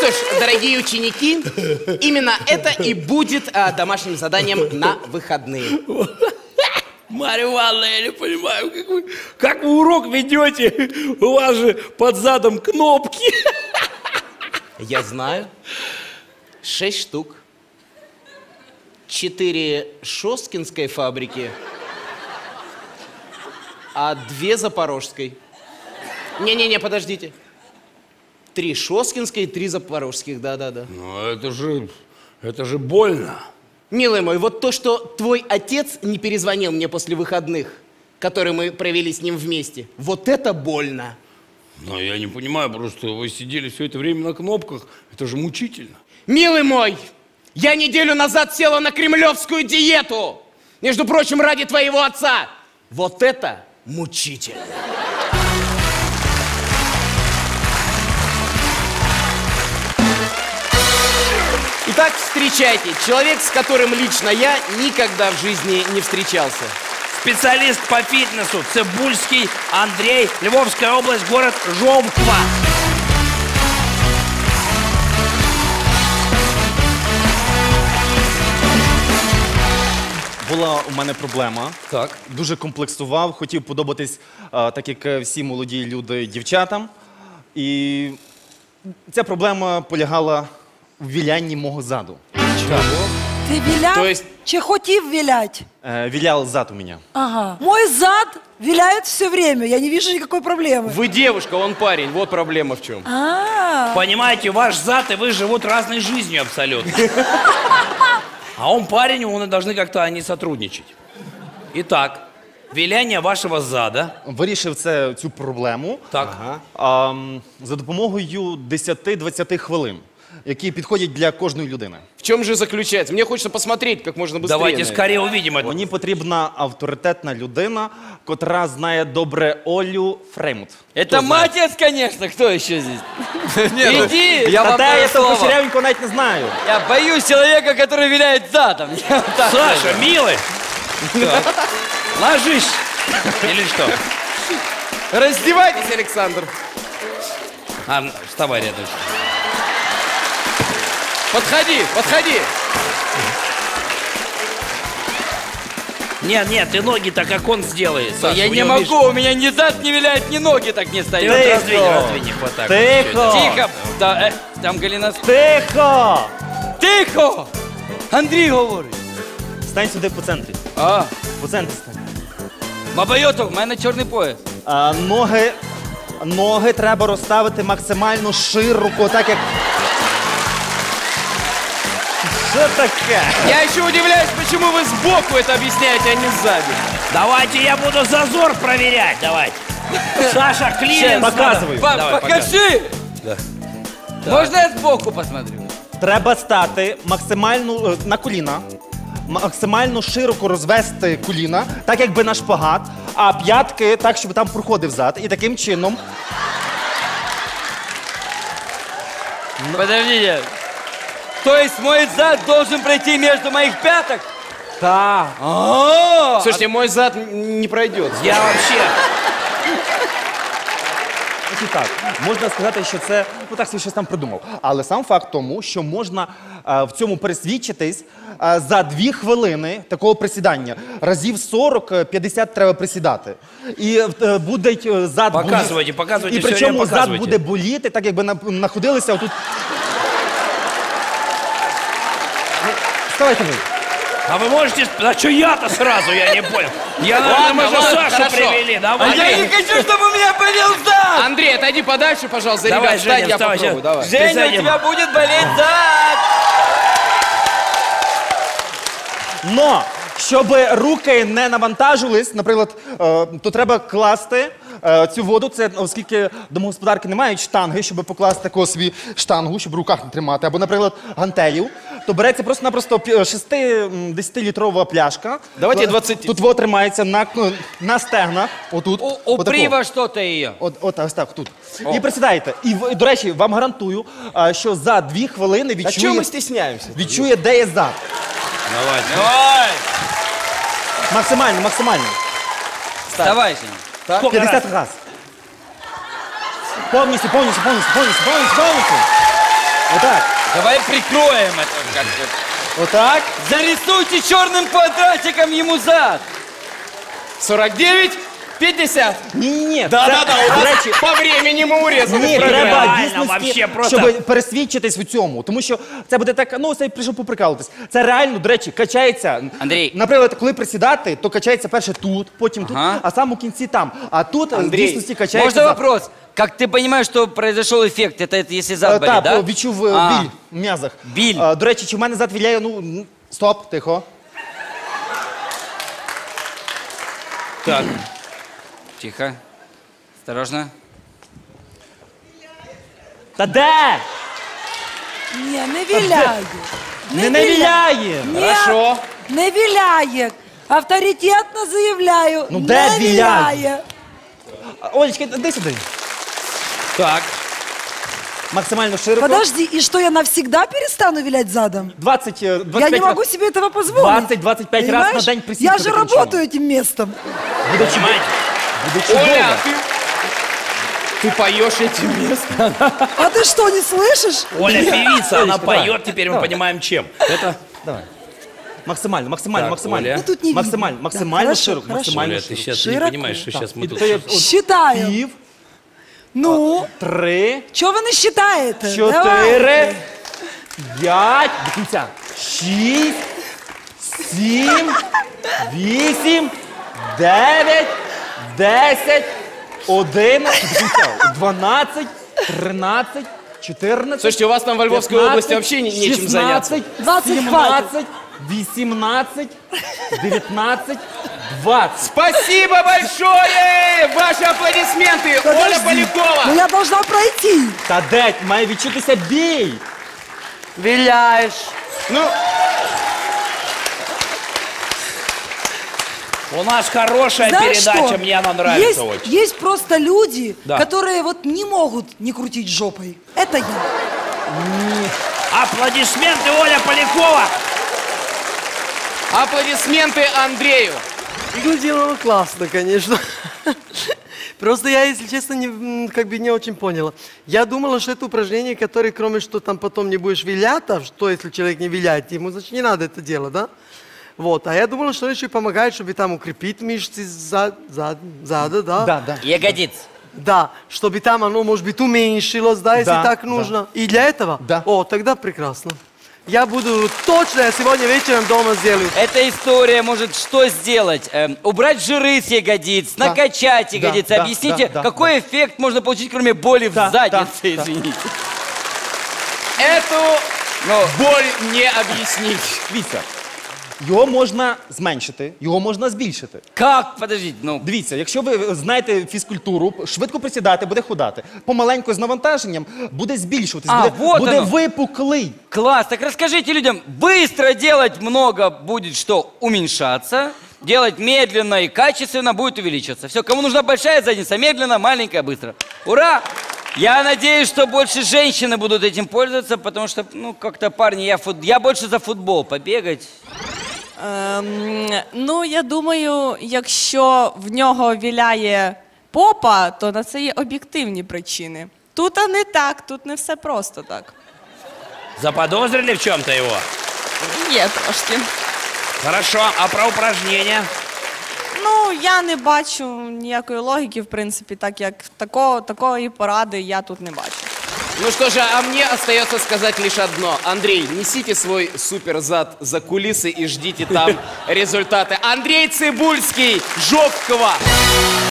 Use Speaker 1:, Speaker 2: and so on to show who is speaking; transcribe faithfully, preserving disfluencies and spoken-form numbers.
Speaker 1: что ж, дорогие ученики, именно это и будет а, домашним заданием на выходные.
Speaker 2: Марья Ивановна, я не понимаю, как вы, как вы урок ведете? У вас же под задом кнопки.
Speaker 1: Я знаю. Шесть штук. Четыре Шосткинской фабрики, а две Запорожской. Не-не-не, подождите. Три Шосткинской и три Запорожских, да-да-да.
Speaker 2: Ну, это же, это же больно.
Speaker 1: Милый мой, вот то, что твой отец не перезвонил мне после выходных, которые мы провели с ним вместе, вот это больно.
Speaker 2: Но я не понимаю, просто вы сидели все это время на кнопках, это же мучительно.
Speaker 1: Милый мой, я неделю назад села на кремлевскую диету. Между прочим, ради твоего отца. Вот это мучительно. Итак, встречайте. Человек, с которым лично я никогда в жизни не встречался.
Speaker 3: Специалист по фитнесу Цибульский Андрей, Львовская область, город Жовква.
Speaker 4: Була у мене проблема.
Speaker 2: Так.
Speaker 4: Дуже комплексував, хотів подобатись, а, так як всі молоді люди, дівчатам. І ця проблема полягала в вілянні мого заду.
Speaker 1: Чого?
Speaker 5: Ти віляв?
Speaker 1: То есть-
Speaker 5: Чи хотів вілять?
Speaker 4: Е, вілял зад у мене.
Speaker 5: Ага. Мой зад виляет все время, я не вижу никакой проблемы.
Speaker 1: Вы девушка, он парень. Вот проблема в чем.
Speaker 5: А,
Speaker 3: Понимаете, ваш зад и вы живут разной жизнью абсолютно. А он парень, он и должны как-то они сотрудничать. Итак, виляние вашего зада.
Speaker 4: Вирішив це, цю проблему
Speaker 3: Так.
Speaker 4: а, м, за допомогою десяти-двадцяти хвилин, які підходять для кожної людини.
Speaker 1: В чем же заключается? Мне хочется посмотреть как можно быстрее.
Speaker 3: Давайте
Speaker 1: на это.
Speaker 3: скорее увидим это.
Speaker 4: Мені потрібна авторитетна людина, котра знає добре Олю Фреймут.
Speaker 6: Это мой отец, конечно, кто еще здесь? Иди, я
Speaker 4: Та
Speaker 6: вам
Speaker 4: те,
Speaker 6: даю
Speaker 4: я того
Speaker 6: слово.
Speaker 4: кучерявенького навіть не знаю.
Speaker 6: Я боюсь человека, который виляет задом. Я вот так
Speaker 3: Саша,
Speaker 6: скажу.
Speaker 3: милый, ложись. Или что?
Speaker 1: Раздевайтесь, Александр.
Speaker 3: А, вставай рядом.
Speaker 1: Подходи, подходи.
Speaker 3: Нет, нет, ты ноги-то как он сделает, Саша.
Speaker 6: Я
Speaker 3: у
Speaker 6: не
Speaker 3: него,
Speaker 6: могу,
Speaker 3: видишь,
Speaker 6: у меня ни зад не виляет, ни ноги так не
Speaker 3: Ты
Speaker 6: стоят.
Speaker 3: вот
Speaker 4: Тихо.
Speaker 3: раздвинь, раздвинь их вот так. вот,
Speaker 4: Тихо.
Speaker 3: чуть-чуть.
Speaker 6: Тихо, да, э, там Галина...
Speaker 4: Тихо!
Speaker 6: Тихо! Андрій говорить.
Speaker 4: Стань сюди по центрі.
Speaker 6: А,
Speaker 4: По центрі стань.
Speaker 6: Баба Йото, в мене чорний пояс.
Speaker 4: А, ноги, ноги треба розставити максимально широко, так як... Що таке?
Speaker 1: Я еще удивляюсь, почему вы сбоку это объясняете, а не сзади.
Speaker 3: Давайте я буду зазор проверять, давайте. Саша, клиренс.
Speaker 4: Показываю.
Speaker 6: Па-
Speaker 3: Давай,
Speaker 6: покажи! Можно я сбоку посмотрю?
Speaker 4: Треба стати максимально е, на коліна, максимально широко розвести коліна, так якби на шпагат, а п'ятки так, щоб там проходив зад. І таким чином...
Speaker 6: Подождите. То есть мой зад должен пройти между моих пяток?
Speaker 4: Так.
Speaker 6: А,
Speaker 1: Слушайте, мой зад не пройдет.
Speaker 3: Я вообще...
Speaker 4: І так, можна сказати, що це, ну так собі щось там придумав. Але сам факт тому, що можна е, в цьому пересвідчитись е, за дві хвилини такого присідання. Разів сорок-п'ятдесят треба присідати. І е, буде е, зад
Speaker 3: Показуйте,
Speaker 4: боліти.
Speaker 3: показуйте,
Speaker 4: І
Speaker 3: все
Speaker 4: причому
Speaker 3: время
Speaker 4: зад
Speaker 3: показуйте.
Speaker 4: буде боліти, так якби на- находилися отут. Ну, вставайте ви.
Speaker 3: А вы можете... А что я-то сразу, я не понял. Я, наверное, мы же
Speaker 1: ладно,
Speaker 3: Сашу
Speaker 1: хорошо.
Speaker 3: привели.
Speaker 6: а
Speaker 3: Давай.
Speaker 6: я не хочу, чтобы у меня болел зад!
Speaker 1: Андрей, отойди подальше, пожалуйста.
Speaker 3: Давай,
Speaker 1: Ребят, встань,
Speaker 3: Женя,
Speaker 1: я
Speaker 3: вставай,
Speaker 1: попробую.
Speaker 3: сейчас.
Speaker 1: Давай.
Speaker 6: Женя, у
Speaker 3: сзади.
Speaker 6: тебя будет болеть зад!
Speaker 4: Но, щоб руки не навантажились, наприклад, е, то треба класти е, цю воду, це оскільки домогосподарки не мають штанги, щоб покласти таку собі штангу, щоб в руках не тримати, або, наприклад, гантелів, то береться просто-напросто шести-десятилітрова пляшка.
Speaker 1: Давайте двадцять.
Speaker 4: Тут вода тримається на, на стегнах, отут.
Speaker 6: У-
Speaker 4: отако.
Speaker 6: Упри во что-то ее.
Speaker 4: От, от ось так, тут. І присідаєте. І, в- до речі, вам гарантую, а, що за дві хвилини
Speaker 1: А чего
Speaker 4: відчує,
Speaker 1: мы стесняемся?
Speaker 4: відчує, де є зад.
Speaker 3: Давайте.
Speaker 6: Давай!
Speaker 4: Максимально, максимально.
Speaker 6: Вставай, Женя.
Speaker 3: Сколько
Speaker 4: п'ятдесят
Speaker 3: раз?
Speaker 4: раз. Повністю, повністю, повністю, повністю, повністю, повністю. Отак.
Speaker 6: Давай прикроем это как-то.
Speaker 4: Отак.
Speaker 6: Зарисуйте черным квадратиком ему зад.
Speaker 1: сорок девять, пятьдесят.
Speaker 4: Ні-ні-ні.
Speaker 1: Да-да-да, у
Speaker 4: До
Speaker 1: нас
Speaker 4: речі,
Speaker 1: по времени мы урезали.
Speaker 4: ні,
Speaker 1: программу.
Speaker 4: треба
Speaker 3: Реально,
Speaker 4: дійсності,
Speaker 3: вообще просто-
Speaker 4: щоб пересвідчитись в цьому. Тому що це буде так, ну, це прийшов поприкалуватись. Це реально, до речі, качається.
Speaker 6: Андрій.
Speaker 4: Наприклад, коли присідати, то качається перше тут, потім тут,
Speaker 6: Ага.
Speaker 4: а сам у кінці там. А тут в
Speaker 1: Андрій,
Speaker 4: дійсності качається.
Speaker 6: Можно
Speaker 4: зад.
Speaker 6: вопрос? Как ты понимаешь, что произошел эффект? Это, это если
Speaker 4: Е,
Speaker 6: зад болит,
Speaker 4: Так,
Speaker 6: да?
Speaker 4: відчув е,
Speaker 6: А,
Speaker 4: біль в м'язах.
Speaker 6: Біль.
Speaker 4: Е, До речі, чи в мене зад віляє, ну, м, стоп, тихо.
Speaker 3: Так.
Speaker 6: Тихо. Осторожно.
Speaker 4: Та де?
Speaker 5: Не, не виляє.
Speaker 4: Не навіляє.
Speaker 5: Ні,
Speaker 1: Хорошо.
Speaker 5: не виляє. Авторитетно заявляю.
Speaker 4: Ну, де
Speaker 5: не
Speaker 4: виляє?
Speaker 5: виляє.
Speaker 4: А, Олечка, іди сюди.
Speaker 3: Так.
Speaker 4: Максимально широко.
Speaker 5: Подожди, и что, я навсегда перестану вилять задом?
Speaker 4: двадцять, е, двадцять
Speaker 5: Я не
Speaker 4: п'ять
Speaker 5: могу
Speaker 4: раз.
Speaker 5: себе этого позволить.
Speaker 4: двадцать-двадцать пять раз
Speaker 5: Понимаешь?
Speaker 4: на день присідка
Speaker 5: Я же
Speaker 4: таким
Speaker 5: работаю этим местом.
Speaker 4: Буде чудово. Буде чудово.
Speaker 1: Оля, ты, ты поешь этим местом.
Speaker 5: А ты что, не слышишь?
Speaker 3: Оля певица, она
Speaker 4: давай.
Speaker 3: поет, теперь мы понимаем чем. Это
Speaker 4: Давай. Максимально, максимально,
Speaker 3: Так,
Speaker 4: максимально.
Speaker 3: Оля.
Speaker 5: Ну, тут не видно.
Speaker 4: Максимально,
Speaker 5: Да,
Speaker 4: максимально
Speaker 5: хорошо,
Speaker 4: широко,
Speaker 5: хорошо.
Speaker 4: максимально
Speaker 3: Оля, ты
Speaker 4: широко.
Speaker 3: сейчас не
Speaker 5: Широко.
Speaker 3: понимаешь, что сейчас мы
Speaker 4: І
Speaker 3: тут...
Speaker 4: то є от
Speaker 5: Считаю.
Speaker 4: пів,
Speaker 5: Ну,
Speaker 4: три,
Speaker 5: что вы насчитаете? Давай.
Speaker 4: чотири, п'ять, до кінця, шість, сім, вісім, дев'ять, десять, одинадцять, до кінця, дванадцять, тринадцять, чотирнадцять.
Speaker 1: Слушайте, у вас там во Львовской
Speaker 4: пятнадцать,
Speaker 1: области вообще не- нечем заняться.
Speaker 4: шістнадцять,
Speaker 5: двадцять
Speaker 4: сімнадцять, вісімнадцять, дев'ятнадцять, двадцять.
Speaker 1: Спасибо большое! Ваши аплодисменты! Оля
Speaker 5: Подожди.
Speaker 1: Полякова!
Speaker 5: Ну, я должна пройти.
Speaker 4: Та де має відчутися бій.
Speaker 6: Виляешь.
Speaker 1: Ну,
Speaker 3: У нас хорошая
Speaker 5: Знаешь
Speaker 3: передача,
Speaker 5: что?
Speaker 3: мне она нравится
Speaker 5: есть,
Speaker 3: очень.
Speaker 5: есть просто люди,
Speaker 3: Да.
Speaker 5: которые вот не могут не крутить жопой. Это я.
Speaker 3: Аплодисменты, Оля Полякова!
Speaker 1: аплодисменты Андрею!
Speaker 7: Ну, делала классно, конечно. Просто я, если честно, не, м, как бы не очень поняла. Я думала, что это упражнение, которое, кроме что там потом не будешь вилять, а что если человек не виляет, ему, значит, не надо это делать, да? Вот, а я думала, что это еще и помогает, чтобы там укрепить мышцы зад, зад, зада, да?
Speaker 4: Да, да.
Speaker 6: Ягодиц.
Speaker 7: Да, чтобы там оно, может быть, уменьшилось, да, если
Speaker 4: Да,
Speaker 7: так
Speaker 4: да.
Speaker 7: нужно. И для этого?
Speaker 4: Да.
Speaker 7: О, тогда прекрасно. Я буду точно, я сегодня вечером дома сделаю.
Speaker 6: Эта история может что сделать? Эм, убрать жиры с ягодиц,
Speaker 4: Да.
Speaker 6: накачать
Speaker 4: Да,
Speaker 6: ягодицы.
Speaker 4: да,
Speaker 6: Объясните,
Speaker 4: да, да,
Speaker 6: какой эффект можно получить, кроме боли
Speaker 4: Да,
Speaker 6: в заднице,
Speaker 4: да, да.
Speaker 6: извините.
Speaker 1: Эту
Speaker 6: Ну,
Speaker 1: боль не объяснить.
Speaker 4: Дивіться, його можна зменшити, його можна збільшити.
Speaker 6: как? Подождите, ну,
Speaker 4: Дивіться, якщо ви знаєте фізкультуру, швидко присідати, буде худати. Помаленьку з навантаженням буде збільшуватись,
Speaker 6: А,
Speaker 4: буде,
Speaker 6: вот
Speaker 4: буде
Speaker 6: оно.
Speaker 4: випуклий.
Speaker 6: класс. Так расскажите людям, быстро делать много будет что? Уменьшаться. Делать медленно и качественно будет увеличиваться. Все, кому нужна большая задница, медленно, маленькая, быстро. Ура! Я надеюсь, что больше женщины будут этим пользоваться, потому что, ну, как-то, парни, я, фут... я больше за футбол побегать.
Speaker 8: Ем, ну, я думаю, якщо в нього віляє попа, то на це є об'єктивні причини. Тут а не так, тут не все просто так.
Speaker 3: Заподозрили в чем-то его?
Speaker 8: Є трошки.
Speaker 3: Хорошо, а про упражнения?
Speaker 8: Ну, я не бачу ніякої логіки, в принципі, так як такого, такої поради я тут не бачу.
Speaker 1: Ну что же, а мне остается сказать лишь одно. Андрей, несите свой суперзад за кулисы и ждите там результаты. Андрей Цибульский, Жопкова.